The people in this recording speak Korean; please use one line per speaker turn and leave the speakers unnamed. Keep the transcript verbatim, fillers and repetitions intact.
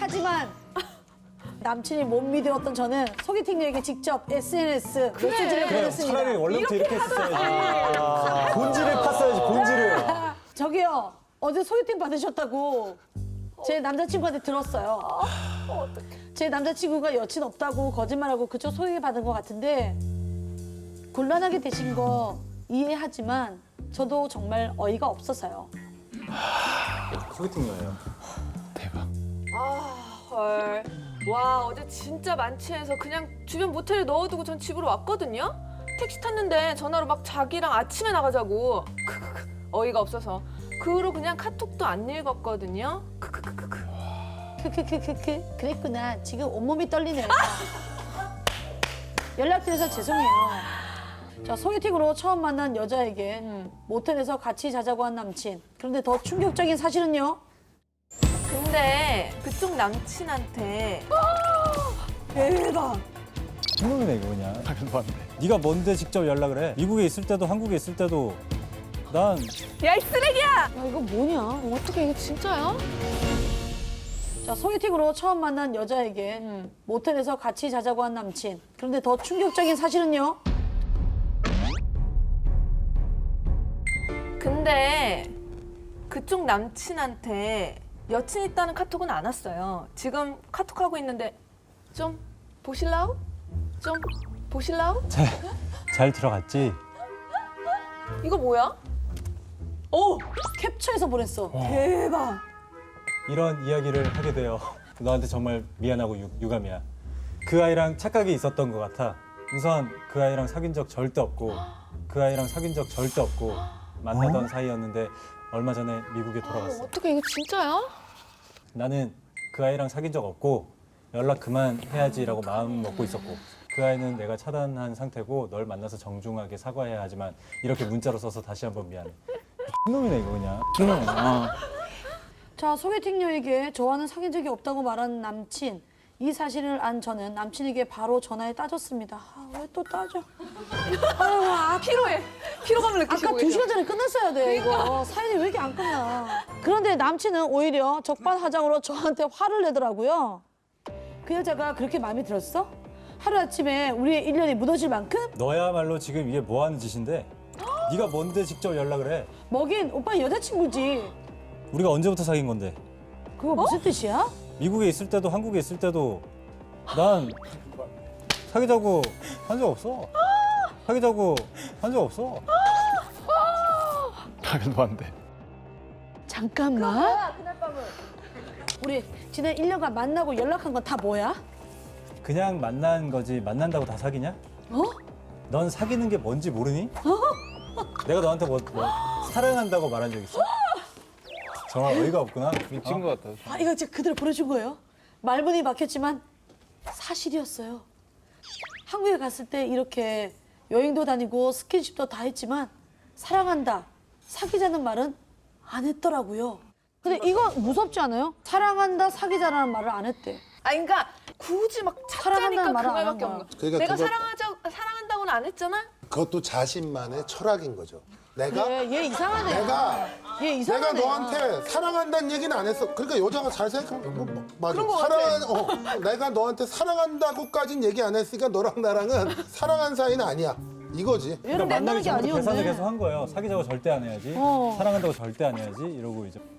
이해하지만 남친이 못 믿었던 저는 소개팅녀에게 직접 에스엔에스 메시지를
그래,
보냈습니다.
차라리 원래부터 이렇게, 했었어야지. 본질을 팠어야지, 본질을.
저기요, 어제 소개팅 받으셨다고 제 남자친구한테 들었어요. 제 남자친구가 여친 없다고 거짓말하고 그쪽 소개팅 받은 것 같은데 곤란하게 되신 거 이해하지만 저도 정말 어이가 없어서요.
소개팅녀예요.
대박.
아, 헐. 와, 어제 진짜 만취해서 그냥 주변 모텔에 넣어두고 전 집으로 왔거든요? 택시 탔는데 전화로 막 자기랑 아침에 나가자고. 크크크. 어이가 없어서. 그 후로 그냥 카톡도 안 읽었거든요? 크크크크크.
크크크크크 그랬구나. 지금 온몸이 떨리네요. 연락드려서 죄송해요. 자, 소개팅으로 처음 만난 여자에게 모텔에서 같이 자자고 한 남친. 그런데 더 충격적인 사실은요.
근데 그쪽 남친한테 대박.
신놈이네, 이거 그냥.
말도 안 돼.
네가 뭔데 직접 연락을 해? 미국에 있을 때도 한국에 있을 때도 난
야, 이 쓰레기야!
야, 이거 뭐냐?
어떻게 이게 진짜야?
자, 소개팅으로 처음 만난 여자에게 모텔에서 같이 자자고 한 남친. 그런데 더 충격적인 사실은요.
근데 그쪽 남친한테 여친 있다는 카톡은 안 왔어요. 지금 카톡하고 있는데 좀 보실라우? 좀 보실라우?
잘, 잘 들어갔지?
이거 뭐야?
오! 캡처해서 보냈어.
대박.
이런 이야기를 하게 되어 너한테 정말 미안하고 유, 유감이야. 그 아이랑 착각이 있었던 것 같아. 우선 그 아이랑 사귄 적 절대 없고 그 아이랑 사귄 적 절대 없고 만나던 사이였는데 얼마 전에 미국에 돌아갔어.
어떻게 이게 진짜야?
나는 그 아이랑 사귄 적 없고 연락 그만해야지라고 마음 먹고 있었고 그 아이는 내가 차단한 상태고 널 만나서 정중하게 사과해야 하지만 이렇게 문자로 써서 다시 한번 미안해. 놈이네 이거 그냥. 놈이야.
자, 소개팅녀에게 저와는 사귄 적이 없다고 말한 남친. 이 사실을 안 저는 남친에게 바로 전화해 따졌습니다. 아, 왜 또 따져? 아유, 아,
피로해. 피로감을 느끼시고
아까 두
계셔.
시간 전에 끝났어야 돼, 이거. 사연이 왜 이렇게 안 끝나? 그런데 남친은 오히려 적반하장으로 저한테 화를 내더라고요. 그 여자가 그렇게 마음에 들었어? 하루아침에 우리의 인연이 무너질 만큼?
너야말로 지금 이게 뭐 하는 짓인데? 네가 뭔데 직접 연락을 해?
뭐긴 오빠 여자친구지.
우리가 언제부터 사귄 건데?
그거 무슨 뜻이야?
미국에 있을 때도 한국에 있을 때도 난 사귀자고 한 적 없어. 사귀자고 한 적 없어.
말도 안 돼.
잠깐만. 우리 지난 일 년간 만나고 연락한 건 다 뭐야?
그냥 만난 거지 만난다고 다 사귀냐?
어?
넌 사귀는 게 뭔지 모르니? 내가 너한테 뭐, 뭐 사랑한다고 말한 적 있어? 정말 어이가 없구나.
미친 것 같아.
아, 이거 진짜 그대로 보내준 거예요? 말문이 막혔지만 사실이었어요. 한국에 갔을 때 이렇게 여행도 다니고 스킨십도 다 했지만 사랑한다, 사귀자는 말은 안 했더라고요. 근데 이거 무섭지 않아요? 사랑한다, 사귀자라는 말을 안 했대.
아, 그러니까 굳이 막
사랑한다는
찾자니까 그
말을 안
말밖에
한
없는
거야.
거야.
그러니까
내가
그거-
사랑하자, 사랑한다고는 안 했잖아?
그것도 자신만의 철학인 거죠. 내가
얘, 얘 이상하네.
내가
얘
내가
이상하네.
너한테 사랑한다는 얘기는 안 했어. 그러니까 여자가 잘 생각하면 뭐, 뭐, 맞아.
그런 거
사랑한 어, 내가 너한테 사랑한다고까진 얘기 안 했으니까 너랑 나랑은 사랑한 사이는 아니야. 이거지.
얘를 만나는 게
그러니까 만나기 전부터 계산을
아니었네.
계속 한 거예요. 사귀자고 절대 안 해야지.
어.
사랑한다고 절대 안 해야지. 이러고 이제